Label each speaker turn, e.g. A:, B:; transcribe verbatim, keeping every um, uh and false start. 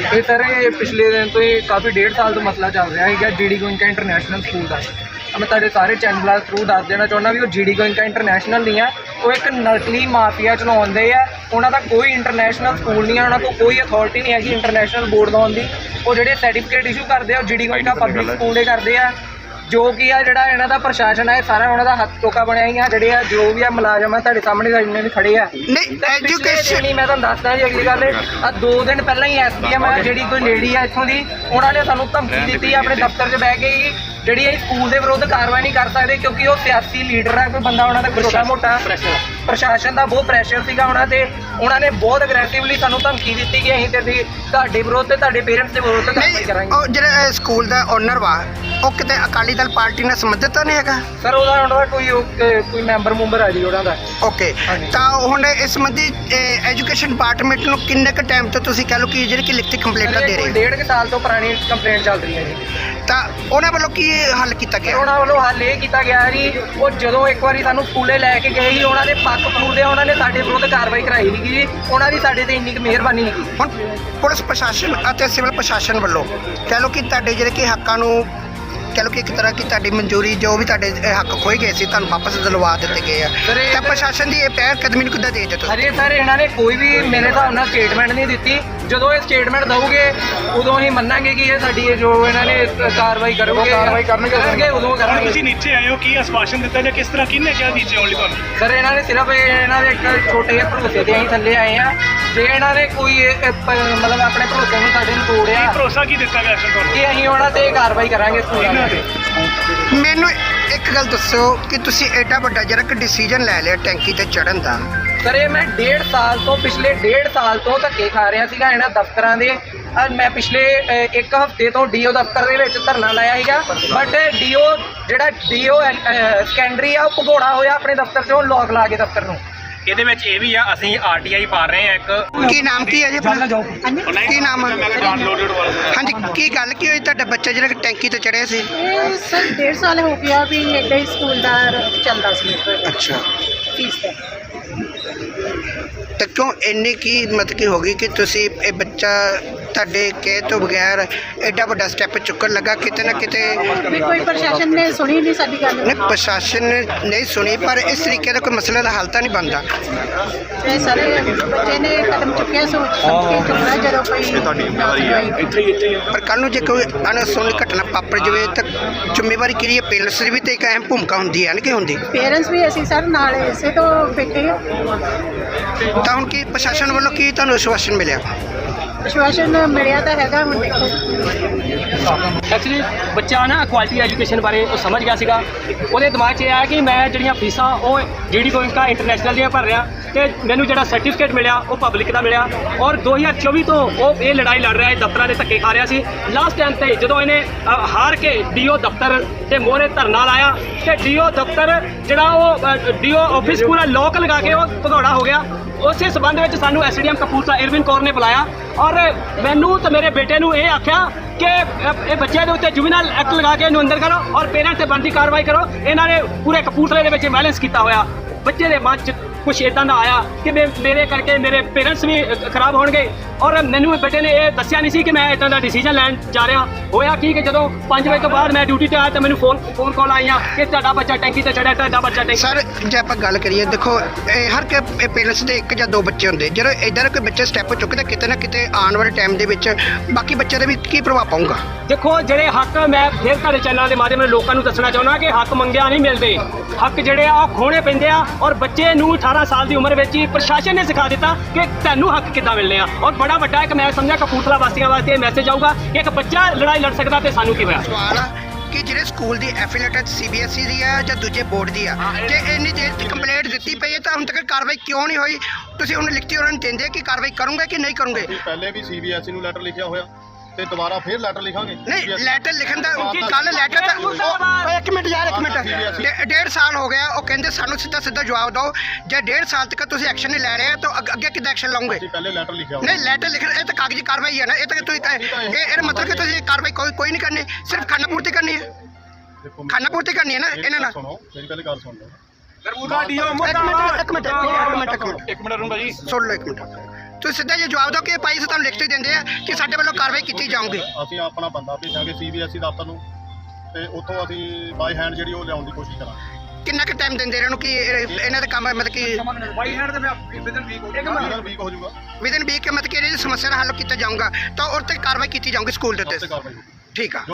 A: ਇਹ ਸਰ ਇਹ ਪਿਛਲੇ ਦਿਨ ਤੋਂ ਹੀ ਕਾਫੀ ਡੇਢ ਸਾਲ ਤੋਂ ਮਸਲਾ ਚੱਲ ਰਿਹਾ ਹੈਗਾ ਜੀਡੀ ਗੋਇੰਕਾ ਇੰਟਰਨੈਸ਼ਨਲ ਸਕੂਲ ਦਾ। ਮੈਂ ਤੁਹਾਡੇ ਸਾਰੇ ਚੈਨਲਾਂ ਥਰੂ ਦੱਸ ਦੇਣਾ ਚਾਹੁੰਦਾ ਵੀ ਉਹ ਜੀਡੀ ਗੋਇੰਕਾ ਇੰਟਰਨੈਸ਼ਨਲ ਨਹੀਂ ਆ, ਉਹ ਇੱਕ ਨਕਲੀ ਮਾਫੀਆ ਚਲਾਉਂਦੇ ਆ। ਉਹਨਾਂ ਦਾ ਕੋਈ ਇੰਟਰਨੈਸ਼ਨਲ ਸਕੂਲ ਨਹੀਂ ਆ, ਉਹਨਾਂ ਤੋਂ ਕੋਈ ਅਥਾਰਟੀ ਨਹੀਂ ਹੈਗੀ ਇੰਟਰਨੈਸ਼ਨਲ ਬੋਰਡ ਲਾਉਣ ਦੀ। ਉਹ ਜਿਹੜੇ ਸਰਟੀਫਿਕੇਟ ਇਸ਼ੂ ਕਰਦੇ ਆ ਉਹ ਜੀਡੀ ਗੋਇੰਕਾ ਪਬਲਿਕ ਸਕੂਲ ਦੇ ਕਰਦੇ ਆ। ਜੋ ਕਿ ਆ ਜਿਹੜਾ ਇਹਨਾਂ ਦਾ ਪ੍ਰਸ਼ਾਸਨ ਹੈ ਸਾਰਾ ਉਹਨਾਂ ਦਾ ਹੱਥ ਟੋਕਾ ਬਣਿਆ ਹੀ ਆ। ਜਿਹੜੇ ਆ ਜੋ ਵੀ ਆ ਮੁਲਾਜ਼ਮ ਆ ਤੁਹਾਡੇ ਸਾਹਮਣੇ ਜਿੰਨੇ ਵੀ ਖੜੇ ਆ
B: ਨਹੀਂ ਐਜੂਕੇਸ਼ਨ
A: ਨਹੀਂ, ਮੈਂ ਤੁਹਾਨੂੰ ਦੱਸਦਾ ਜੀ ਅਗਲੀ ਗੱਲ ਆ ਦੋ ਦਿਨ ਪਹਿਲਾਂ ਹੀ ਐਸਡੀਐਮ ਆ ਜਿਹੜੀ ਕੋਈ ਲੇਡੀ ਆ ਇੱਥੋਂ ਦੀ, ਉਹਨਾਂ ਨੇ ਸਾਨੂੰ ਧਮਕੀ ਦਿੱਤੀ ਆਪਣੇ ਦਫ਼ਤਰ 'ਚ ਬਹਿ ਕੇ ਹੀ ਜਿਹੜੀ ਅਸੀਂ ਸਕੂਲ ਦੇ ਵਿਰੁੱਧ ਕਾਰਵਾਈ ਨਹੀਂ ਕਰ ਸਕਦੇ ਕਿਉਂਕਿ ਉਹ ਸਿਆਸੀ ਲੀਡਰ ਆ, ਕੋਈ ਬੰਦਾ ਉਹਨਾਂ ਦਾ ਛੋਟਾ ਮੋਟਾ ਪ੍ਰਸ਼ਾਸਨ ਦਾ ਬਹੁਤ ਪ੍ਰੈਸ਼ਰ ਸੀਗਾ ਉਹਨਾਂ ਤੇ। ਉਹਨਾਂ ਨੇ ਬਹੁਤ ਅਗਰੈਸਿਵਲੀ ਸਾਨੂੰ ਧਮਕੀ ਦਿੱਤੀ ਕਿ ਅਸੀਂ ਤੇ ਤੁਹਾਡੇ ਵਿਰੁੱਧ ਤੇ ਤੁਹਾਡੇ ਪੇਰੈਂਟਸ ਦੇ ਵਿਰੁੱਧ ਕਾਰਵਾਈ ਕਰਾਂਗੇ।
B: ਉਹ ਜਿਹੜਾ ਸਕੂਲ ਦਾ ਓਨਰ ਵਾ ਉਹ ਕਿਤੇ ਅਕਾਲੀ ਦਲ ਪਾਰਟੀ ਨਾਲ ਸੰਬੰਧਿਤ ਤਾਂ ਨਹੀਂ ਹੈਗਾ
A: ਸਰ? ਉਹਦਾ ਉਹਨਾਂ ਦਾ ਕੋਈ ਕੋਈ ਮੈਂਬਰ ਮੁੰਬਰ ਆ ਜੀ ਉਹਨਾਂ ਦਾ।
B: ਓਕੇ, ਤਾਂ ਹੁਣ ਇਸ ਸੰਬੰਧੀ ਐਜੂਕੇਸ਼ਨ ਡਿਪਾਰਟਮੈਂਟ ਨੂੰ ਕਿੰਨੇ ਕੁ ਟਾਈਮ ਤੋਂ ਤੁਸੀਂ ਕਹਿ ਲਓ ਕਿ ਜਿਹੜੀ ਕਿ ਲਿਖਤੀ ਕੰਪਲੇਂਟਾਂ ਦੇ ਰਹੇ ਹੋ?
A: ਡੇਢ ਕੁ ਸਾਲ ਤੋਂ ਪੁਰਾਣੀ ਕੰਪਲੇਂਟ ਚੱਲ ਰਹੀ ਹੈ ਜੀ।
B: ਤਾਂ ਉਹਨਾਂ ਵੱਲੋਂ ਕੀ ਹੱਲ ਕੀਤਾ ਗਿਆ?
A: ਉਹਨਾਂ ਵੱਲੋਂ ਹੱਲ ਇਹ ਕੀਤਾ ਗਿਆ ਜੀ, ਉਹ ਜਦੋਂ ਇੱਕ ਵਾਰੀ ਸਾਨੂੰ ਸਕੂਲੇ ਲੈ ਕੇ ਗਏ ਸੀ ਉਹਨਾਂ ਦੇ ਪੱਕ ਪੂਰਦੇ ਉਹਨਾਂ ਨੇ ਸਾਡੇ ਵਿਰੁੱਧ ਕਾਰਵਾਈ ਕਰਾਈ ਨਹੀਂ ਜੀ। ਉਹਨਾਂ ਦੀ ਸਾਡੇ ਤੇ ਇੰਨੀ ਕੁ ਮਿਹਰਬਾਨੀ ਨਹੀਂ ਕੀਤੀ।
B: ਹੁਣ ਪੁਲਿਸ ਪ੍ਰਸ਼ਾਸਨ ਅਤੇ ਸਿਵਲ ਪ੍ਰਸ਼ਾਸਨ ਵੱਲੋਂ ਕਹਿ ਲਓ ਕਿ ਤੁਹਾਡੇ ਜਿਹੜੇ ਕਿ ਹੱਕਾਂ ਨੂੰ ਕਹਿ ਲਓ ਕਿ ਇੱਕ ਤਰ੍ਹਾਂ ਕੀ ਤੁਹਾਡੀ ਮਨਜ਼ੂਰੀ ਜੋ ਵੀ ਤੁਹਾਡੇ ਹੱਕ ਖੋਏ ਗਏ ਸੀ ਤੁਹਾਨੂੰ ਵਾਪਸ ਦਿਲਵਾ ਦਿੱਤੇ ਗਏ ਆ, ਤਾਂ ਪ੍ਰਸ਼ਾਸਨ ਦੀ ਇਹ ਪਹਿਲ ਕਦਮੀ ਨੂੰ ਕਿੱਦਾਂ ਦੇ ਦਿੱਤੇ?
A: ਅਰੇ ਸਰ ਇਹਨਾਂ ਨੇ ਕੋਈ ਵੀ ਮੇਰੇ ਹਿਸਾਬ ਨਾਲ ਸਟੇਟਮੈਂਟ ਨਹੀਂ ਦਿੱਤੀ। ਜਦੋਂ ਇਹ ਸਟੇਟਮੈਂਟ ਦਊਗੇ ਉਦੋਂ ਹੀ ਮੰਨਾਂਗੇ ਕਿ ਇਹ ਸਾਡੀ ਜੋ ਇਹਨਾਂ ਨੇ ਕਾਰਵਾਈ ਕਰੋਗੇ ਕਾਰਵਾਈ ਕਰਨਗੇ ਉਦੋਂ ਕਰਾਂਗੇ।
C: ਤੁਸੀਂ ਨੀਚੇ ਆਏ ਹੋ, ਕੀ ਆਸ਼ਵਾਸਨ ਦਿੱਤਾ ਜਾਂ ਕਿਸ ਤਰ੍ਹਾਂ ਕਿਹਨੇ ਕਿਹਾ ਨੀਚੇ ਆਉਣ ਲਈ ਤੁਹਾਨੂੰ?
A: ਸਰ ਇਹਨਾਂ ਨੇ ਸਿਰਫ ਇਹਨਾਂ ਦੇ ਇੱਕ ਛੋਟੇ ਜਿਹੇ ਭਰੋਸੇ ਤੇ ਅਸੀਂ ਥੱਲੇ ਆਏ ਆ। ਜੇ ਇਹਨਾਂ ਨੇ ਕੋਈ ਮਤਲਬ ਆਪਣੇ ਭਰੋਸੇ ਨੂੰ ਸਾਡੇ ਨੂੰ ਤੋੜਿਆ,
C: ਭਰੋਸਾ ਕੀ ਦਿੱਤਾ ਗਿਆ ਐਕਸ਼ਨ ਤੁਹਾਨੂੰ
A: ਕਿ ਅਸੀਂ ਉਹਨਾਂ ਤੇ ਕਾਰਵਾਈ ਕਰਾਂਗੇ ਸਕੂਲਾਂ ਤੇ।
B: ਮੈਨੂੰ ਇੱਕ ਗੱਲ ਦੱਸੋ ਕਿ ਤੁਸੀਂ ਐਡਾ ਵੱਡਾ ਜਿਹੜਾ ਕਿ ਡਿਸੀਜਨ ਲੈ ਲਿਆ ਟੈਂਕੀ ਤੇ ਚੜ੍ਹਨ ਦਾ।
A: ਸਰ ਇਹ ਮੈਂ ਡੇਢ ਸਾਲ ਤੋਂ ਪਿਛਲੇ ਡੇਢ ਸਾਲ ਤੋਂ ਧੱਕੇ ਖਾ ਰਿਹਾ ਸੀਗਾ ਇਹਨਾਂ ਦਫ਼ਤਰਾਂ ਦੇ। ਮੈਂ ਪਿਛਲੇ ਇੱਕ ਹਫ਼ਤੇ ਤੋਂ ਡੀਓ ਦਫ਼ਤਰ ਦੇ ਵਿੱਚ ਧਰਨਾ ਲਾਇਆ ਸੀਗਾ, ਬਟ ਡੀਓ ਜਿਹੜਾ ਡੀਓ ਸੈਕੰਡਰੀ ਆ ਉਹ ਭਗੌੜਾ ਹੋਇਆ ਆਪਣੇ ਦਫ਼ਤਰ 'ਚੋਂ ਲੋਕ ਲਾ ਕੇ ਦਫ਼ਤਰ ਨੂੰ।
D: ਇਹਦੇ ਵਿੱਚ ਇਹ ਵੀ ਆ ਅਸੀਂ ਆਰਟੀਆਈ ਪਾ ਰਹੇ ਆ ਇੱਕ।
B: ਕੀ ਨਾਮ ਕੀ ਹੈ ਜੀ? ਕੀ ਨਾਮ ਹੈ? ਹਾਂਜੀ, ਕੀ ਗੱਲ ਕੀ ਹੋਈ ਤੁਹਾਡਾ ਬੱਚਾ ਜਿਹੜਾ ਕਿ ਟੈਂਕੀ ਤੇ ਚੜਿਆ ਸੀ?
E: ਇਹ ਸਰ ਡੇਢ ਸਾਲ ਹੋ ਗਿਆ ਵੀ ਇੱਦਾਂ ਹੀ ਸਕੂਲ ਦਾ ਚੱਲਦਾ ਸੀ।
B: ਅੱਛਾ,
E: ਫੀਸ ਦਾ
B: ਤਾਂ ਕਿਉਂ ਇੰਨੀ ਕੀ ਮਤਲਬ ਕੀ ਹੋ ਗਈ ਕਿ ਤੁਸੀਂ ਇਹ ਬੱਚਾ ਤੁਹਾਡੇ ਕਹਿ ਤੋਂ ਬਗੈਰ ਐਡਾ ਵੱਡਾ ਸਟੈਪ ਚੁੱਕਣ ਲੱਗਾ? ਕਿਤੇ ਨਾ ਕਿਤੇ
E: ਵੀ ਕੋਈ ਪ੍ਰਸ਼ਾਸਨ ਨੇ ਸੁਣੀ ਨਹੀਂ ਸਾਡੀ ਗੱਲ।
B: ਨਹੀਂ, ਪ੍ਰਸ਼ਾਸਨ ਨੇ ਨਹੀਂ ਸੁਣੀ, ਪਰ ਇਸ ਤਰੀਕੇ ਦਾ ਕੋਈ ਮਸਲੇ ਦਾ ਹੱਲ ਤਾਂ ਨਹੀਂ ਬਣਦਾ।
E: ਇਹ ਸਾਰੇ ਬੱਚੇ ਨੇ ਕਦਮ ਚੁੱਕਿਆ ਸੋਚ ਸਮਝ ਕੇ ਚੁੱਕਣਾ ਜਦੋਂ ਕੋਈ
B: ਪਰ ਕੱਲ੍ਹ ਨੂੰ ਜੇ ਕੋਈ ਅਣਸੁਣੀ ਘਟਨਾ ਵਾਪਰ ਜਾਵੇ ਤਾਂ ਜ਼ਿੰਮੇਵਾਰੀ ਕਿਹਦੀ ਹੈ? ਪੇਰੈਂਟਸ ਦੀ ਵੀ ਤਾਂ ਇੱਕ ਅਹਿਮ ਭੂਮਿਕਾ ਹੁੰਦੀ ਹੈ ਨਾ, ਕਿ ਹੁੰਦੀ?
E: ਪੇਰੈਂਟਸ ਵੀ ਅਸੀਂ ਸਰ ਨਾਲ ਇਸੇ ਤੋਂ ਬੈਠੇ ਹਾਂ।
B: ਤਾਂ ਹੁਣ ਕੀ ਪ੍ਰਸ਼ਾਸਨ ਵੱਲੋਂ ਕੀ ਤੁਹਾਨੂੰ ਆਸ਼ਵਾਸਨ ਮਿਲਿਆ?
E: ਵਿਸ਼ਵਾਸਨ ਮਿਲਿਆ ਤਾਂ ਹੈਗਾ, ਹੁਣ ਦੇਖੋ।
D: ਐਕਚੁਅਲੀ ਬੱਚਾ ਨਾ ਕੁਆਲਿਟੀ ਐਜੂਕੇਸ਼ਨ ਬਾਰੇ ਉਹ ਸਮਝ ਗਿਆ ਸੀਗਾ। ਉਹਦੇ ਦਿਮਾਗ 'ਚ ਇਹ ਆਇਆ ਕਿ ਮੈਂ ਜਿਹੜੀਆਂ ਫੀਸਾਂ ਉਹ ਜੀਡੀ ਗੋਇੰਕਾ ਇੰਟਰਨੈਸ਼ਨਲ ਦੀਆਂ ਭਰ ਰਿਹਾ ਤੇ ਮੈਨੂੰ ਜਿਹੜਾ ਸਰਟੀਫਿਕੇਟ ਮਿਲਿਆ ਉਹ ਪਬਲਿਕ ਦਾ ਮਿਲਿਆ। ਔਰ ਦੋ ਹਜ਼ਾਰ ਚੌਵੀ ਤੋਂ ਉਹ ਇਹ ਲੜਾਈ ਲੜ ਰਿਹਾ ਹੈ, ਦਫ਼ਤਰਾਂ ਦੇ ਧੱਕੇ ਖਾ ਰਿਹਾ ਸੀ। ਲਾਸਟ ਟਾਈਮ ਤੇ ਜਦੋਂ ਇਹਨੇ ਅ, ਹਾਰ ਕੇ ਡੀਓ ਦਫ਼ਤਰ ਤੇ ਮੋਹਰੇ ਧਰਨਾ ਲਾਇਆ ਤੇ ਡੀਓ ਦਫ਼ਤਰ ਜਿਹੜਾ ਉਹ ਡੀਓ ਆਫਿਸ ਪੂਰਾ ਲੋਕ ਲਗਾ ਕੇ ਉਹ ਭਗੌੜਾ ਹੋ ਗਿਆ। ਉਸੇ ਸਬੰਧ ਵਿੱਚ ਸਾਨੂੰ ਐਸਡੀਐਮ ਕਪੂਰਥਲਾ ਇਰਵਿਨ ਕੌਰ ਨੇ ਬੁਲਾਇਆ ਔਰ ਮੈਨੂੰ ਤੇ ਮੇਰੇ ਬੇਟੇ ਨੂੰ ਇਹ ਆਖਿਆ ਕਿ ਇਹ ਬੱਚੇ ਦੇ ਉੱਤੇ ਜੁਵੀਨਲ ਐਕਟ ਲਗਾ ਕੇ ਇਹਨੂੰ ਅੰਦਰ ਕਰੋ ਔਰ ਪੇਰੈਂਟਸ ਤੇ ਬਣਦੀ ਕਾਰਵਾਈ ਕਰੋ। ਇਹਨਾਂ ਨੇ ਪੂਰੇ ਕਪੂਰਥਲੇ ਦੇ ਵਿੱਚ ਵਾਇਲੈਂਸ ਕੀਤਾ ਹੋਇਆ। ਬੱਚੇ ਦੇ ਮਨ 'ਚ ਕੁਛ ਇੱਦਾਂ ਦਾ ਆਇਆ ਕਿ ਮੇਰੇ ਕਰਕੇ ਮੇਰੇ ਪੇਰੈਂਟਸ ਵੀ ਖਰਾਬ ਹੋਣਗੇ ਔਰ ਮੈਨੂੰ ਬੇਟੇ ਨੇ ਇਹ ਦੱਸਿਆ ਨਹੀਂ ਸੀ ਕਿ ਮੈਂ ਇੱਦਾਂ ਦਾ ਡਿਸੀਜਨ ਲੈਣ ਜਾ ਰਿਹਾ। ਹੋਇਆ ਕੀ ਕਿ ਜਦੋਂ ਪੰਜ ਵਜੇ ਤੋਂ ਬਾਅਦ ਮੈਂ ਡਿਊਟੀ 'ਤੇ ਆਇਆ ਤਾਂ ਮੈਨੂੰ ਫੋਨ ਫੋਨ ਕਾਲ ਆਈਆਂ ਕਿ ਤੁਹਾਡਾ ਬੱਚਾ ਟੈਂਕੀ 'ਤੇ ਚੜਿਆ, ਤੁਹਾਡਾ ਬੱਚਾ ਟੈਂਕੀ।
B: ਸਰ ਜੇ ਆਪਾਂ ਗੱਲ ਕਰੀਏ, ਦੇਖੋ ਇਹ ਹਰ ਕੇ ਪੇਰੈਂਟਸ ਦੇ ਇੱਕ ਜਾਂ ਦੋ ਬੱਚੇ ਹੁੰਦੇ, ਜਦੋਂ ਇੱਦਾਂ ਦਾ ਕੋਈ ਬੱਚਾ ਸਟੈਪ ਚੁੱਕਦਾ ਕਿਤੇ ਨਾ ਕਿਤੇ ਆਉਣ ਵਾਲੇ ਟਾਈਮ ਦੇ ਵਿੱਚ ਬਾਕੀ ਬੱਚਿਆਂ ਦੇ ਵੀ ਕੀ ਪ੍ਰਭਾਵ ਪਾਊਗਾ?
D: ਦੇਖੋ ਜਿਹੜੇ ਹੱਕ ਮੈਂ ਫਿਰ ਤੁਹਾਡੇ ਚੈਨਲ ਦੇ ਮਾਧਿਅਮ ਨਾਲ ਲੋਕਾਂ ਨੂੰ ਦੱਸਣਾ ਚਾਹੁੰਦਾ ਕਿ ਹੱਕ ਮੰਗਿਆ ਨਹੀਂ ਮਿਲਦੇ। ਹੱਕ ਜਿਹੜੇ ਆ ਉਹ ਖੋਣੇ ਪੈਂਦੇ ਆ ਔਰ ਬੱਚੇ ਨੂੰ ਅਠਾਰਾਂ ਸਾਲ ਦੀ ਉਮਰ ਵਿੱਚ ਹੀ ਪ੍ਰਸ਼ਾਸਨ ਨੇ ਸਿਖਾ ਦਿੱਤਾ ਕਿ ਤੁਹਾਨੂੰ ਹੱਕ ਕਿੱਦਾਂ ਮਿਲਣੇ ਆ। ਔਰ ਬੜਾ ਵੱਡਾ ਇੱਕ ਮੈਂ ਸਮਝਿਆ ਕਪੂਰਥਲਾ ਵਾਸੀਆਂ ਵਾਸਤੇ ਇਹ ਮੈਸੇਜ ਆਊਗਾ ਕਿ ਇੱਕ ਬੱਚਾ ਲੜਾਈ ਲੜ ਸਕਦਾ ਤੇ ਸਾਨੂੰ ਕੀ ਹੋਇਆ।
B: ਸਵਾਲ ਆ ਕਿ ਜਿਹੜੇ ਸਕੂਲ ਦੀ ਐਫੀਲੀਏਟਡ ਸੀਬੀਐਸਈ ਦੀ ਆ ਜਾਂ ਦੂਜੇ ਬੋਰਡ ਦੀ ਆ, ਜੇ ਇੰਨੀ ਦੇਰ ਦੀ ਕੰਪਲੇਂਟ ਦਿੱਤੀ ਪਈ ਹੈ ਤਾਂ ਹੁਣ ਤੱਕ ਕਾਰਵਾਈ ਕਿਉਂ ਨਹੀਂ ਹੋਈ? ਤੁਸੀਂ ਹੁਣ ਲਿਖਤੀ ਉਹਨਾਂ ਨੂੰ ਦਿੰਦੇ ਕਿ ਕਾਰਵਾਈ ਕਰੋਗੇ ਕਿ ਨਹੀਂ ਕਰੋਗੇ?
F: ਪਹਿਲੇ ਵੀ ਸੀਬੀਐਸਈ ਨੂੰ ਲੈਟਰ ਲਿਖਿਆ ਹੋਇਆ ਤੇ ਦੁਬਾਰਾ ਫੇਰ ਲੈਟਰ ਲਿਖਾਂਗੇ।
B: ਨਹੀਂ, ਲੈਟਰ ਲਿਖਣ ਦਾ ਕੱਲ ਲੈਟਰ ਤਾਂ ਉਹ ਇੱਕ ਮਿੰਟ ਯਾਰ ਇੱਕ ਮਿੰਟ ਡੇ- ਡੇਢ ਸਾਲ ਹੋ ਗਿਆ। ਉਹ ਕਹਿੰਦੇ ਸਾਨੂੰ ਸਿੱਧਾ ਸਿੱਧਾ ਜਵਾਬ ਦਿਓ। ਜੇ ਡੇਢ ਸਾਲ ਤੱਕ ਤੁਸੀਂ ਐਕਸ਼ਨ ਨਹੀਂ ਲੈ ਰਹੇ ਤਾਂ ਅੱਗ- ਅੱਗੇ ਕਿੱਦਾਂ ਐਕਸ਼ਨ ਲਓਗੇ?
F: ਅਸੀਂ ਪਹਿਲੇ ਲੈਟਰ ਲਿਖਿਆ ਹੋਇਆ।
B: ਨਹੀਂ, ਲੈਟਰ ਲਿਖਣ ਇਹ ਤਾਂ ਕਾਗਜ਼ੀ ਕਾਰਵਾਈ ਹੈ ਨਾ। ਇਹ ਤਾਂ ਤੁਸੀਂ ਇਹ ਇਹਦਾ ਮਤਲਬ ਕਿ ਤੁਸੀਂ ਕਾਰਵਾਈ ਕੋਈ ਕੋਈ ਨਹੀਂ ਕਰਨੀ, ਸਿਰਫ ਖਾਨਾ ਪੂਰਤੀ ਕਰਨੀ ਹੈ।
F: ਦੇਖੋ
B: ਖਾਨਾ ਪੂਰਤੀ ਕਰਨੀ ਹੈ ਨਾ ਇਹਨਾਂ ਨਾਲ।
F: ਸੁਣੋ, ਮੇਰੀ ਪਹਿਲੇ ਗੱਲ ਸੁਣ ਲਓ।
B: ਇੱਕ ਮਿੰਟ ਇੱਕ ਮਿੰਟ ਇੱਕ ਮਿੰਟ ਇੱਕ ਮਿੰਟ
C: ਇੱਕ ਮਿੰਟ ਰੂੰਗਾ ਜੀ।
B: ਸੁਣ ਲਓ ਇੱਕ ਮਿੰਟ। ਤੁਸੀਂ ਸਿੱਧਾ ਜੇ ਜਵਾਬ ਦਿਓ ਕਿ ਭਾਈ ਅਸੀਂ ਤੁਹਾਨੂੰ ਲਿਖਤ ਹੀ ਦਿੰਦੇ ਆ ਕਿ ਸਾਡੇ ਵੱਲੋਂ ਕਾਰਵਾਈ ਕੀਤੀ ਜਾਊਗੀ।
F: ਅਸੀਂ ਆਪਣਾ ਬੰਦਾ ਭੇਜਾਂਗੇ ਸੀ ਬੀ ਐਸ ਈ ਦਫ਼ਤਰ ਨੂੰ ਤੇ ਉੱਥੋਂ ਅਸੀਂ ਬਾਈ ਹੈਂਡ ਜਿਹੜੀ ਉਹ ਲਿਆਉਣ ਦੀ ਕੋਸ਼ਿਸ਼ ਕਰਾਂਗੇ।
B: ਕਿੰਨਾ ਕੁ ਟਾਈਮ ਦਿੰਦੇ ਇਹਨਾਂ ਨੂੰ ਕਿ ਇਹ- ਇਹਨਾਂ ਦਾ ਕੰਮ ਮਤਲਬ ਕਿ
A: ਬਾਈ ਹੈਂਡ ਦੇ ਵਿਦਨ ਵੀਕ ਹੋ ਜਾਏਗਾ
F: ਇਹਨਾਂ ਵੀਕ ਹੋ ਜਾਊਗਾ
B: ਵਿਦਨ ਵੀਕ ਮਤਲਬ ਕਿ ਇਹਦੀ ਸਮੱਸਿਆ ਦਾ ਹੱਲ ਕੀਤਾ ਜਾਊਗਾ ਤਾਂ ਉਹ 'ਤੇ ਕਾਰਵਾਈ ਕੀਤੀ ਜਾਊਗੀ ਸਕੂਲ ਦੇ
F: ਉੱਤੇ
B: ਉੱਤੇ।
F: ਕਾਰਵਾਈ
B: ਠੀਕ ਆ।